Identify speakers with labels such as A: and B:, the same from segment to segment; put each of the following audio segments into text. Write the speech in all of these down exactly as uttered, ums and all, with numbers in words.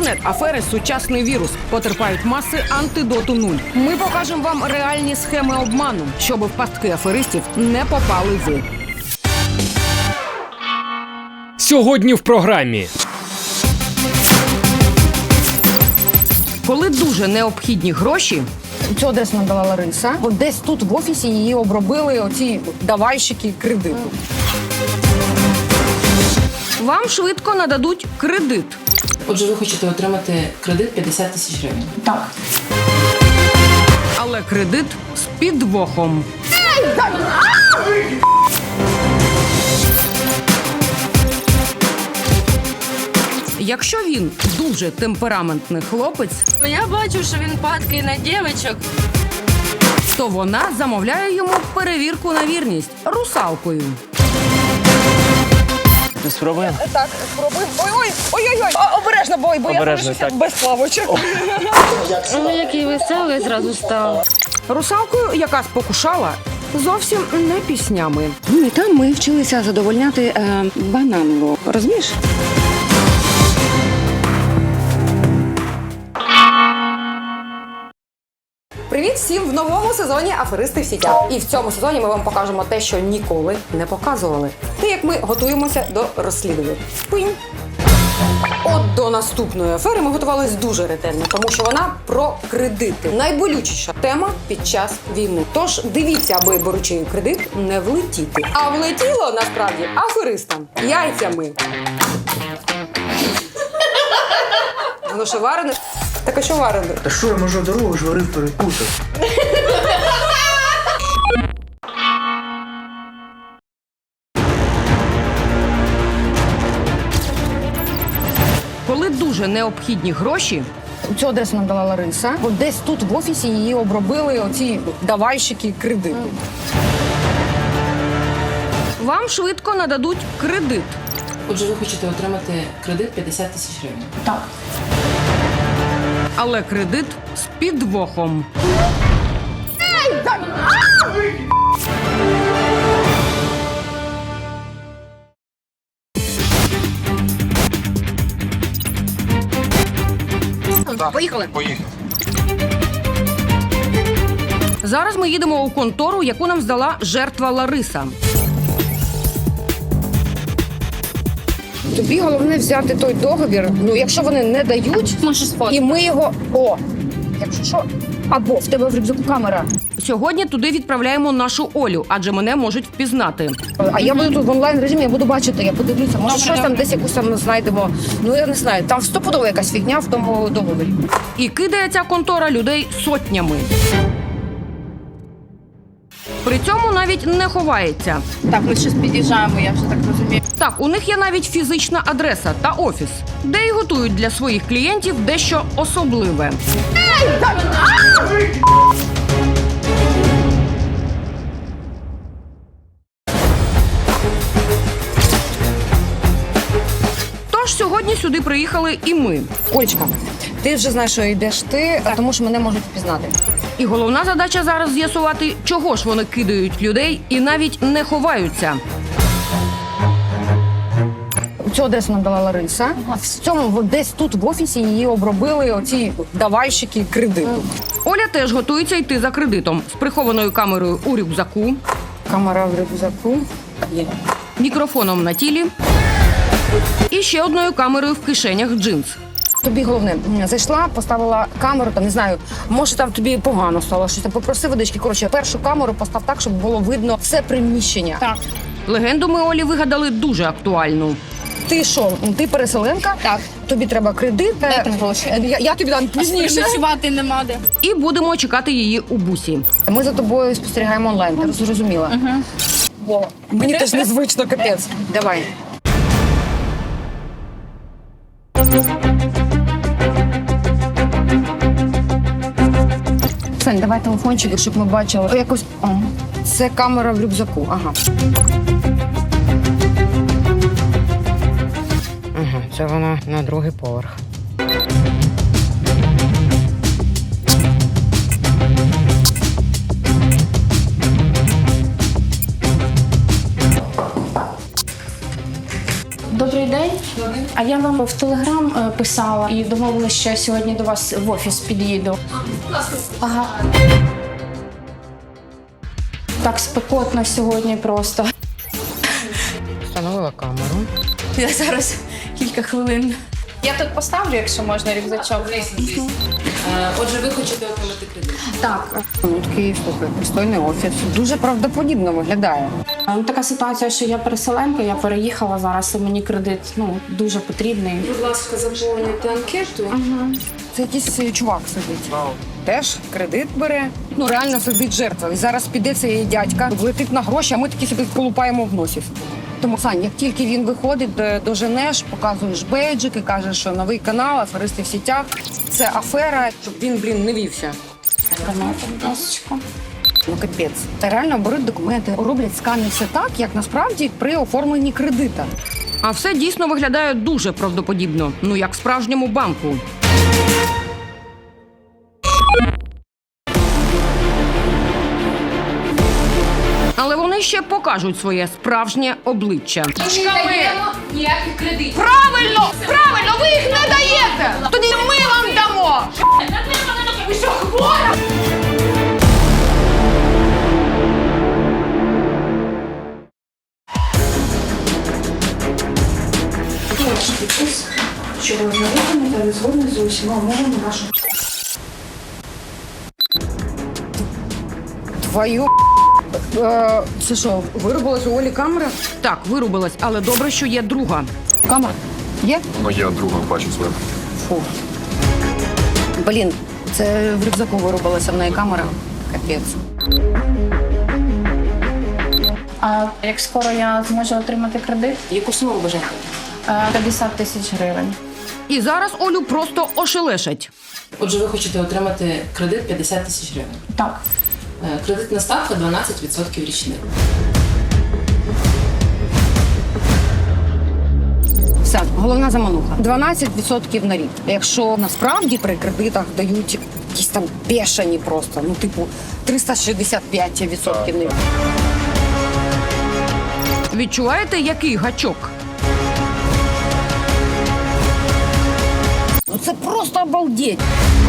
A: Інтернет-афери – сучасний вірус. Потерпають маси, антидоту нуль. Ми покажемо вам реальні схеми обману, щоб в пастки аферистів не попали ви.
B: Сьогодні в програмі.
A: Коли дуже необхідні гроші,
C: Цю адресу нам дала Лариса. От десь тут в офісі її обробили оці давальщики кредиту.
A: вам швидко нададуть кредит.
D: Отже, ви хочете отримати кредит п'ятдесят тисяч гривень?
C: Так.
A: Але кредит з підвохом. Якщо він дуже темпераментний хлопець,
E: Я бачу, що він падкий на дівчинок.
A: то вона замовляє йому перевірку на вірність русалкою.
B: Спробуємо?
C: Так, спробуємо. Ой-ой, ой-ой-ой. Обережно, бой, бо
B: Обережно,
C: я
B: так.
C: без плавочок.
E: Ну, який веселий зразу став.
A: Русалкою, яка спокушала, зовсім не піснями.
C: Ну і там ми вчилися задовольняти е, бананло. Розумієш? Привіт всім в новому сезоні «Аферисти в сітях». І в цьому сезоні ми вам покажемо те, що ніколи не показували. Те, як ми готуємося до розслідування. Пинь! От до наступної афери ми готувалися дуже ретельно, тому що вона про кредити. Найболючіша тема під час війни. Тож дивіться, аби беручи кредит не влетіти. А влетіло насправді аферистам яйцями. Воно ще варене? Так а що варене?
F: Та що я можу дорогу ж варив перепутав?
A: Коли дуже необхідні гроші,
C: Цю адресу нам дала Лариса. От десь тут в офісі її обробили оці давальщики кредиту.
A: вам швидко нададуть кредит.
D: Отже, ви хочете отримати кредит п'ятдесят тисяч гривень?
C: Так.
A: Але кредит з підвохом.
C: Поїхали.
A: Зараз ми їдемо у контору, яку нам здала жертва Лариса.
C: Тобі головне взяти той договір. Ну, якщо вони не дають, і ми його. О! Якщо що, або в тебе в рюкзаку камера.
A: Сьогодні туди відправляємо нашу Олю, адже мене можуть впізнати.
C: А я буду тут в онлайн режимі, я буду бачити, я подивлюся. Може, щось там десь якусь там знайдемо. Ну я не знаю. Там стопудово якась фігня в тому договорі.
A: І кидає ця контора людей сотнями. При цьому навіть не ховається.
E: Так, ми щось під'їжджаємо, я вже так розумію.
A: Так, у них є навіть фізична адреса та офіс, де й готують для своїх клієнтів дещо особливе. Тож сьогодні сюди приїхали і ми.
C: Олечка, ти вже знаєш, що йдеш ти, а тому що мене можуть впізнати.
A: І головна задача зараз з'ясувати, чого ж вони кидають людей і навіть не ховаються.
C: Цю адресу нам дала Лариса. В цьому десь тут в офісі її обробили оці давальщики кредиту.
A: Оля теж готується йти за кредитом з прихованою камерою у рюкзаку,
C: Камера в рюкзаку. Є.
A: мікрофоном на тілі і ще одною камерою в кишенях джинс.
C: Тобі головне, зайшла, поставила камеру, там не знаю, може там тобі погано стало, щось там попроси водички. Коротше, першу камеру постав так, щоб було видно все приміщення. Так.
A: Легенду ми Олі вигадали дуже актуальну.
C: Ти що, ти переселенка? Так. Тобі треба кредит.
E: Дайте гроші.
C: Я, я тобі дам пізніше.
E: Ночувати нема де.
A: І будемо чекати її у бусі.
C: Ми за тобою спостерігаємо онлайн, ти зрозуміла? Угу. Мені теж незвично, капець. Давай. Сань, давай телефончик, щоб ми бачили. О, якось. О, це камера в рюкзаку. Ага.
A: Ага, це вона на другий поверх.
G: Добрий день. А я вам в Телеграм е, писала і домовилася, що я сьогодні до вас в офіс під'їду. Ага. Так спекотно сьогодні просто.
A: Встановила камеру.
G: Я зараз кілька хвилин. Я тут поставлю, якщо можна, рюкзачок.
D: Звісно. Е, Отже, ви хочете отримати кредит.
G: Так.
C: Ну, такий, слухай, пристойний офіс. Дуже правдоподібно виглядає.
G: Ну, така ситуація, що я переселенка, я переїхала зараз, і мені кредит ну, дуже потрібний.
D: Будь ласка, заповнюйте анкету.
C: Це якийсь е, чувак сидить. Теж кредит бере. Ну, реально сидить жертва. І зараз піде цей дядька, влетить на гроші, а ми такі собі колупаємо в носі. Тому, Сань, як тільки він виходить, до- доженеш, показуєш бейджик і кажеш, що новий канал, аферисти в сітях. Це афера, щоб він, блін, не вівся.
G: Тримайте, будь ласка.
C: Ну, капець. Та реально беруть документи, роблять скани все так, як насправді при оформленні кредита.
A: А все дійсно виглядає дуже правдоподібно, ну як в справжньому банку. Але вони ще покажуть своє справжнє обличчя.
E: Ніяких кредитів.
A: Правильно! Правильно! Ви їх не даєте! Тоді ми вам дамо!
E: Ви що, хвора?
G: Що ви знайомі та згодні з усіма умовами вашого.
C: Твою е, це що, вирубилась у Олі камера?
A: Так, вирубилась, але добре, що є друга.
C: Камера? Є?
H: Ну, я друга бачу своє.
C: Фу. Блін, це в рюкзаку вирубилася в неї камера. Капець.
G: А як скоро я зможу отримати кредит?
D: Яку суму ви бажаєте?
G: Е, п'ятдесят тисяч гривень.
A: І зараз Олю просто ошелешать.
D: Отже, ви хочете отримати кредит п'ятдесят тисяч гривень.
G: Так.
D: Е, Кредитна ставка дванадцять відсотків річних.
C: Все, головна замануха. дванадцять відсотків на рік. Якщо насправді при кредитах дають якісь там бешені просто, ну типу триста шістдесят п'ять відсотків на рік.
A: Відчуваєте, який гачок?
C: Ну це просто обалдеть.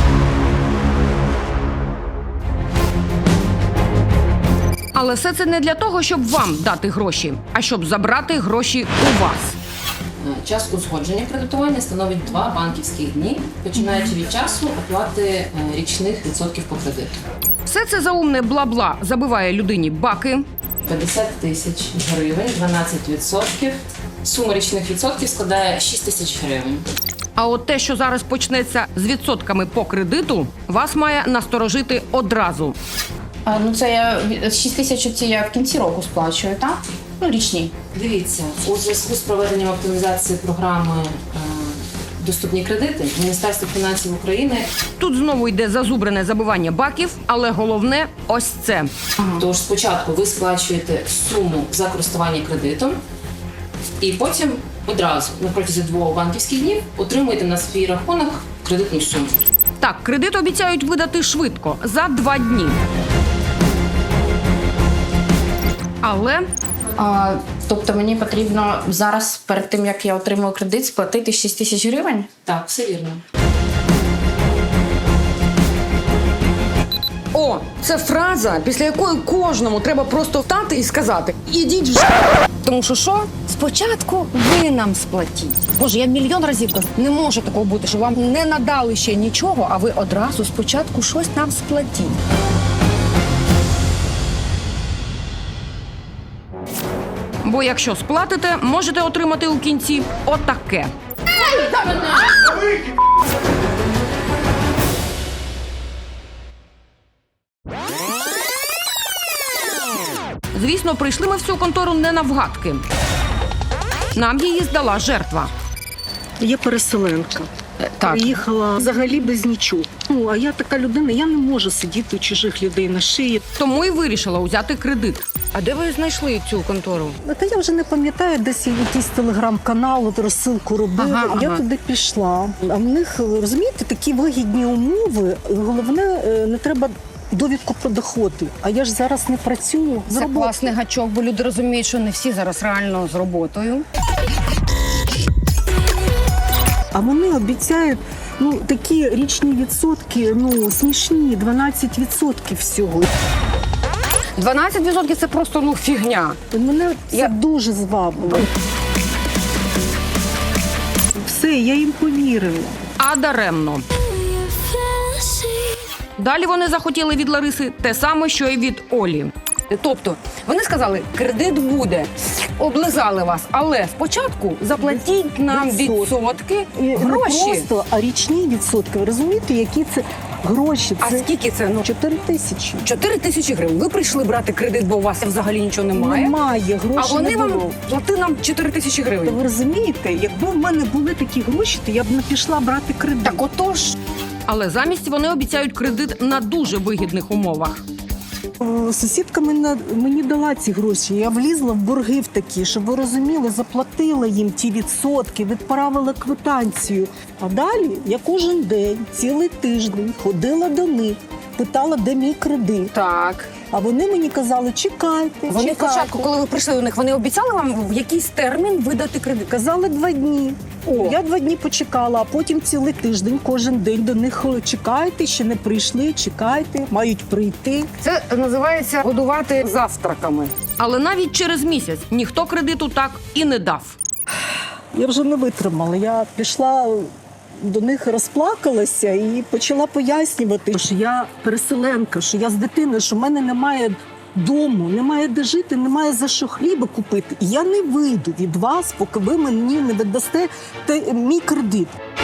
A: Але все це не для того, щоб вам дати гроші, а щоб забрати гроші у вас.
D: Е, Час узгодження кредитування становить два банківських дні, починаючи від часу оплати е, річних відсотків по кредиту.
A: Все це заумне бла-бла забиває людині баки.
D: п'ятдесят тисяч гривень, дванадцять відсотків. Сума річних відсотків складає шість тисяч гривень.
A: А от те, що зараз почнеться з відсотками по кредиту, вас має насторожити одразу.
G: А, ну це я шість тисяч ці я в кінці року сплачую, так? Ну, річні.
D: Дивіться, у зв'язку з проведенням оптимізації програми е, «Доступні кредити» Міністерство фінансів України.
A: Тут знову йде зазубрене забивання баків, але головне ось це.
D: Тож спочатку ви сплачуєте суму за користування кредитом, і потім одразу на протязі двох банківських днів отримуєте на свій рахунок кредитну суму.
A: Так, кредит обіцяють видати швидко, за два дні. Але
G: А, тобто мені потрібно зараз, перед тим, як я отримую кредит, сплатити шість тисяч гривень?
D: Так, все вірно.
C: О, це фраза, після якої кожному треба просто встати і сказати: ідіть вже. Тому що що? Спочатку ви нам сплатіть. Боже, я мільйон разів кажу, не може такого бути, що вам не надали ще нічого, а ви одразу спочатку щось нам сплатіть.
A: бо якщо сплатите, можете отримати у кінці отаке. Звісно, прийшли ми в цю контору не навгадки. Нам її здала жертва.
I: Я переселенка.
A: Так.
I: Приїхала взагалі без нічого. Ну, а я така людина, я не можу сидіти у чужих людей на шиї.
A: Тому і вирішила узяти кредит.
C: А де ви знайшли цю контору?
I: Та я вже не пам'ятаю, десь якийсь телеграм-канал, от розсилку робили.
C: Ага,
I: Я
C: ага.
I: туди пішла. А в них, розумієте, такі вигідні умови. Головне, е, не треба довідку про доходи. А я ж зараз не працюю. з
C: Це
I: роботи.
C: класний гачок, бо люди розуміють, що не всі зараз реально з роботою.
I: А вони обіцяють ну, такі річні відсотки, ну, смішні, дванадцять відсотків всього.
C: дванадцять відсотків це просто ну фігня.
I: Мене це
C: Я-
I: дуже звабило. Все, я їм повірила.
A: А даремно. Далі вони захотіли від Лариси те саме, що й від Олі.
C: Тобто, вони сказали, кредит буде, облизали вас, але спочатку заплатіть нам
I: Відсотки.
C: відсотки,
I: І не
C: гроші.
I: просто, а річні відсотки. Ви розумієте, які це гроші?
C: А
I: Це
C: скільки це? Ну,
I: чотири тисячі.
C: чотири тисячі гривень. Ви прийшли брати кредит, бо у вас взагалі нічого немає.
I: Немає,
C: А
I: грошей
C: вони
I: не
C: вам
I: було.
C: плати нам чотири тисячі
I: Та
C: гривень.
I: ви розумієте, якби в мене були такі гроші, то я б не пішла брати кредит.
C: Так отож,
A: Але замість вони обіцяють кредит на дуже вигідних умовах.
I: Е, Сусідка мене, мені дала ці гроші. Я влізла в борги в такі, щоб ви розуміли, заплатила їм ті відсотки, відправила квитанцію. А далі я кожен день, цілий тиждень ходила до них, питала, де мій кредит.
C: так.
I: А вони мені казали, чекайте,
C: Вони
I: чекайте.
C: спочатку, коли ви прийшли до них, вони обіцяли вам в якийсь термін видати кредит.
I: Казали два дні.
C: О.
I: Я два дні почекала, а потім цілий тиждень, кожен день до них чекайте, ще не прийшли, чекайте, мають прийти.
C: Це називається годувати завтраками.
A: Але навіть через місяць ніхто кредиту так і не дав.
I: Я вже не витримала. Я пішла до них, розплакалася і почала пояснювати, що я переселенка, що я з дитиною, що в мене немає дому, немає де жити, немає за що хліба купити. І я не вийду від вас, поки ви мені не віддасте те- мій кредит.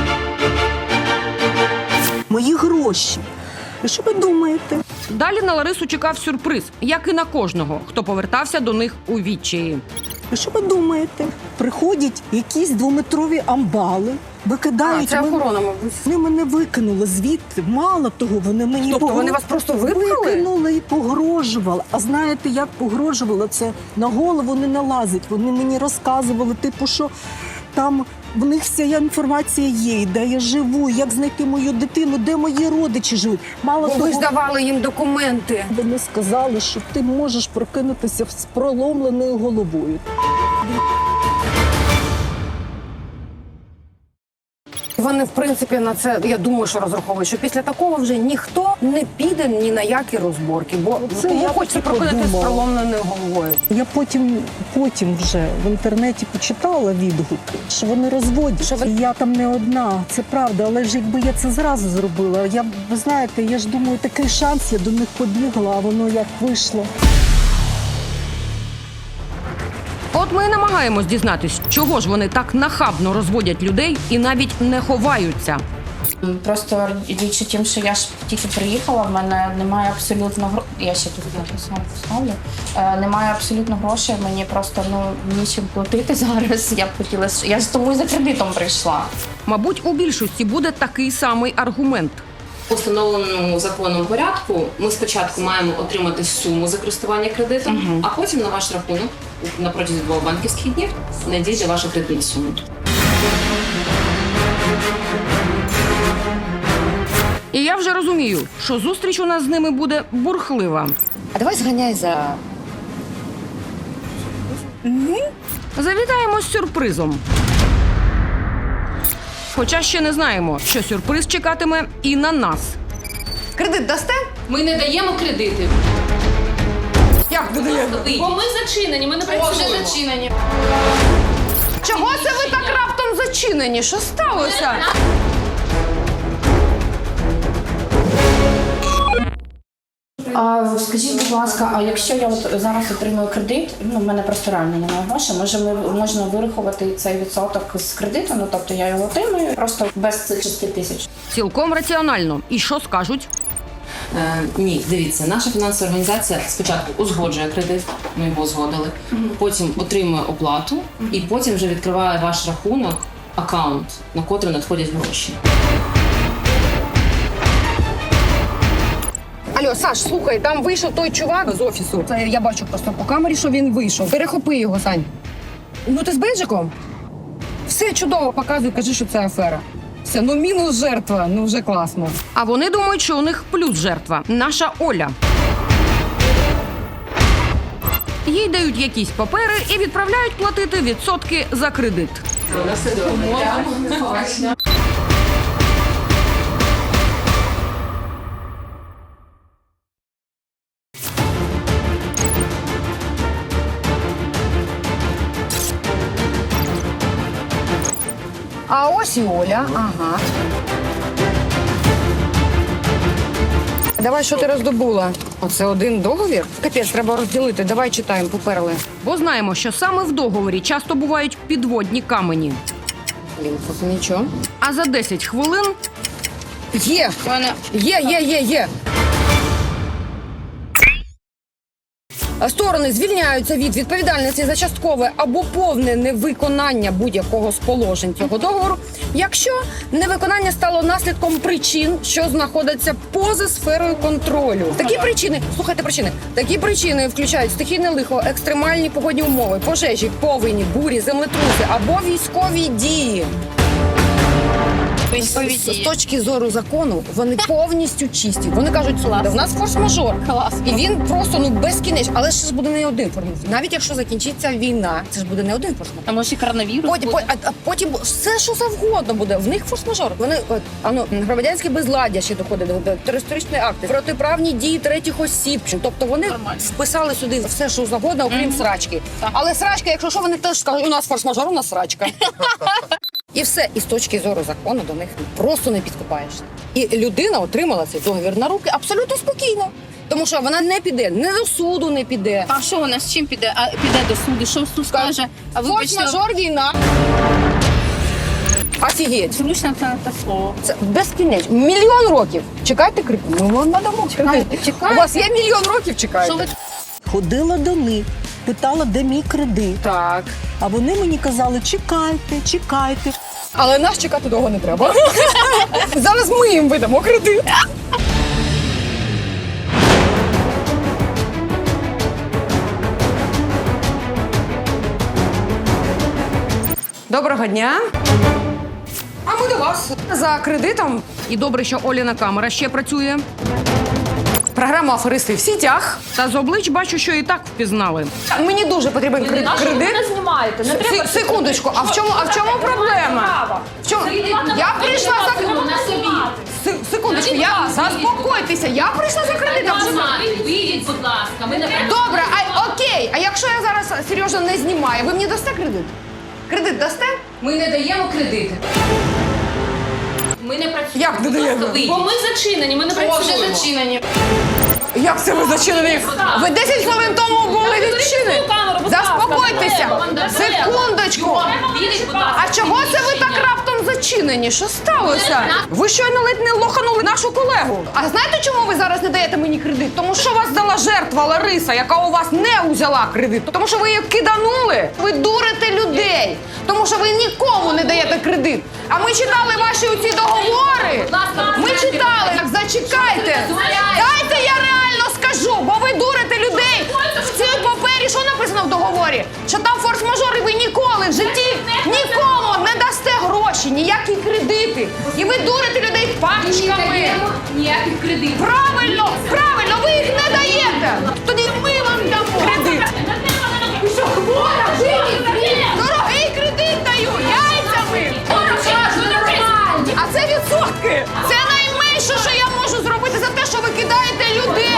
I: Мої гроші. І що ви думаєте?
A: Далі на Ларису чекав сюрприз, як і на кожного, хто повертався до них у відчаї.
I: І що ви думаєте? Приходять якісь двометрові амбали, викидають.
C: А, це
I: мене-
C: охорона, мабуть.
I: Вони мене викинули звідти. Мало того, вони мені
C: Тобто
I: погро-
C: вони вас просто випхали?
I: викинули і погрожували. А знаєте, як погрожували? Це на голову не налазить. Вони мені розказували, типу, що там в них вся інформація є, де я живу, як знайти мою дитину, де мої родичі живуть. Мало
C: Бо
I: того,
C: ви ж давали їм документи.
I: вони сказали, що ти можеш прокинутися з проломленою головою.
C: Вони, в принципі, на це, я думаю, що розраховують, що після такого вже ніхто не піде ні на які розборки, бо
I: Це
C: кому
I: я
C: хочеться
I: так
C: прокинути з
I: подумала.
C: проломленою головою.
I: Я потім, потім вже в інтернеті почитала відгуки, що вони розводять.
C: Що ви-
I: І я там не одна, це правда. Але ж якби я це зразу зробила, я б, ви знаєте, я ж думаю, такий шанс, я до них побігла, а воно як вийшло.
A: От ми і намагаємось дізнатись, чого ж вони так нахабно розводять людей і навіть не ховаються.
G: Просто річ у тім, що я ж тільки приїхала, в мене немає абсолютно грошей. Я ще тут написала, поставлю. Е, немає абсолютно грошей, мені просто ну нічим платити зараз. Я б хотіла, я ж тому і за кредитом прийшла.
A: Мабуть, у більшості буде такий самий аргумент.
D: У встановленому законом порядку ми спочатку маємо отримати суму за користування кредитом, а потім на ваш рахунок на протязі двох банківських днів надійде ваша кредитна сума.
A: І я вже розумію, що зустріч у нас з ними буде бурхлива.
C: А давай зганяй за
A: Завітаємо з сюрпризом. Хоча ще не знаємо, що сюрприз чекатиме і на нас.
C: кредит дасте?
D: Ми не даємо кредити.
C: Як ви даєте?
D: Бо ми зачинені, ми не працюємо.
C: зачинені. Чого це ви так раптом зачинені? Що сталося?
G: А скажіть, будь ласка, а якщо я от зараз отримую кредит, ну в мене просто реально немає грошей, може ми можна вирахувати цей відсоток з кредиту? Ну тобто я його отримую просто без цих шести тисяч.
A: Цілком раціонально. І що скажуть?
D: Е, ні, дивіться, наша фінансова організація спочатку узгоджує кредит, ми його узгодили, потім отримує оплату і потім вже відкриває ваш рахунок, аккаунт, на котрий надходять гроші.
C: Алло, Саш, слухай, там вийшов той чувак з офісу. Це я бачу просто по камері, що він вийшов. Перехопи його, Сань. Ну ти з бейджиком? Все чудово, показуй, кажи, що це афера. Все, ну мінус жертва, ну вже класно.
A: А вони думають, що у них плюс жертва – наша Оля. їй дають якісь папери і відправляють платити відсотки за кредит.
C: А ось і Оля, ага. Давай, що ти роздобула? Оце один договір? Капець, треба розділити. Давай читаємо, поперли.
A: Бо знаємо, що саме в договорі часто бувають підводні камені.
C: Блін, тут нічого.
A: А за десять хвилин
C: Є! Є, є, є, є. Сторони звільняються від відповідальності за часткове або повне невиконання будь-якого з положень цього договору, якщо невиконання стало наслідком причин, що знаходяться поза сферою контролю. Такі причини, слухайте причини, такі причини включають стихійне лихо, екстремальні погодні умови, пожежі, повені, бурі, землетруси або військові дії. З, з точки зору закону вони повністю чисті. Вони кажуть, слухайте, в нас форс-мажор.
G: Клас.
C: І він просто ну безкінечний. Але ж буде не один форс-мажор. Навіть якщо закінчиться війна, це ж буде не один форс-мажор.
G: А може і коронавірус
C: Потім,
G: буде?
C: а, а потім все, що завгодно буде. В них форс-мажор. Вони от, а ну, громадянське безладдя ще доходить до, до терористичні акти, протиправні дії третіх осіб. Тобто вони
G: Нормально.
C: вписали сюди все, що завгодно, окрім
G: Мгм.
C: срачки.
G: Так.
C: Але срачка, якщо що, вони теж скажуть, у нас форс-мажор, у нас срачка. І все. І з точки зору закону до них просто не підкопаєшся. І людина отримала цей договір на руки абсолютно спокійно. Тому що вона не піде, не до суду не піде.
G: А що вона з чим піде? А піде до суду? Що суд скаже? А вибачте,
C: Форс-мажор, війна. Офігеть.
G: зручно це не те слово.
C: Це безкінечно. Мільйон років. Чекайте кредит. Ми вам надамо кредит.
G: Чекайте.
C: У вас є мільйон років, чекайте.
G: Що ви
I: Ходила до них, питала, де мій кредит.
C: Так.
I: А вони мені казали, чекайте, чекайте.
C: Але нас чекати довго не треба. Зараз ми їм видамо кредит. Доброго дня. А ми до вас. За кредитом.
A: і добре, що Оліна камера ще працює.
C: Програма «Аферисти в сітях».
A: Та з облич бачу, що і так впізнали.
C: Мені дуже потрібен кредит. кредит.
H: не знімаєте, не треба.
C: Се- Секундочку, а в чому, а в чому проблема? В чому? Я прийшла за
H: на собі.
C: Се- Секундочку, я заспокойтеся. Я прийшла за кредитом.
H: Вийдіть, будь ласка. Ми не
C: Добре, а окей. А якщо я зараз серйозно не знімаю, ви мені дасте кредит? Кредит дасте?
D: Ми не даємо кредити.
H: Ми не працюємо.
C: Як не даємо?
H: Бо ми зачинені, ми не працюємо.
C: зачинені. Як це ви зачинені? Ви десять хвилин тому були відчинені.
H: камеру, будь ласка,
C: Заспокойтеся.
H: не треба, не
C: Секундочку.
H: Вийдіть, будь ласка.
C: А чого це ви так раптом зачинені? Що сталося? Ви щойно ледь не лоханули нашу колегу. А знаєте, чому ви зараз не даєте мені кредит? Тому що вас дала жертва Лариса, яка у вас не узяла кредит. Тому що ви її киданули. Ви дурите людей. Тому що ви нікому не даєте кредит. А ми читали ваші оці договори. Ми читали. Так зачекайте. Дайте я реально скажу, бо ви дурите людей. В цій папері що написано в договорі? Що там форс-мажор, і ви ніколи в житті нікому не дасте гроші, ніякі кредити. І ви дурите людей пачками.
H: Ніяких кредитів.
C: Правильно, правильно, ви їх не даєте. Тоді ми вам дамо кредит. Ви що, хвора? Дорогий кредит даю, яйцями. А це відсотки. Це найменше, що я можу зробити за те, що ви кидаєте людей.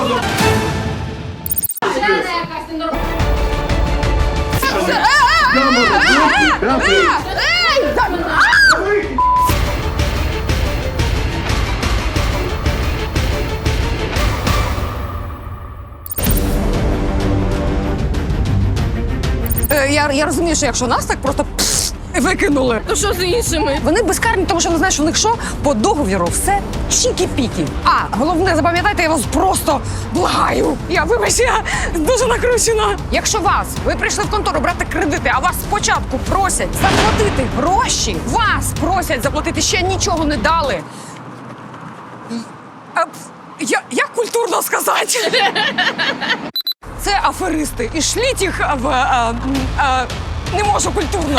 C: Це- Е, е, е, е, е, е, ей, та- а! Е, Я, я розумію, що якщо нас так просто пф, викинули.
H: То що з іншими?
C: Вони безкарні, тому що вони знають, що в них що? По договіру все чікі-пікі. А, головне, запам'ятайте, я вас просто благаю. Я, вибач, я дуже накручена. Якщо вас, ви прийшли в контору брати кредити, а вас спочатку просять заплатити гроші, вас просять заплатити, ще нічого не дали. А, я, як культурно сказати? Це аферисти. І шліть їх в... А, а, не можу культурно.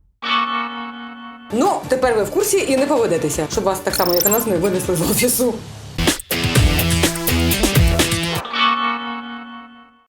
C: Ну, тепер ви в курсі і не поведетеся, щоб вас так само, як і нас, не винесли з офісу.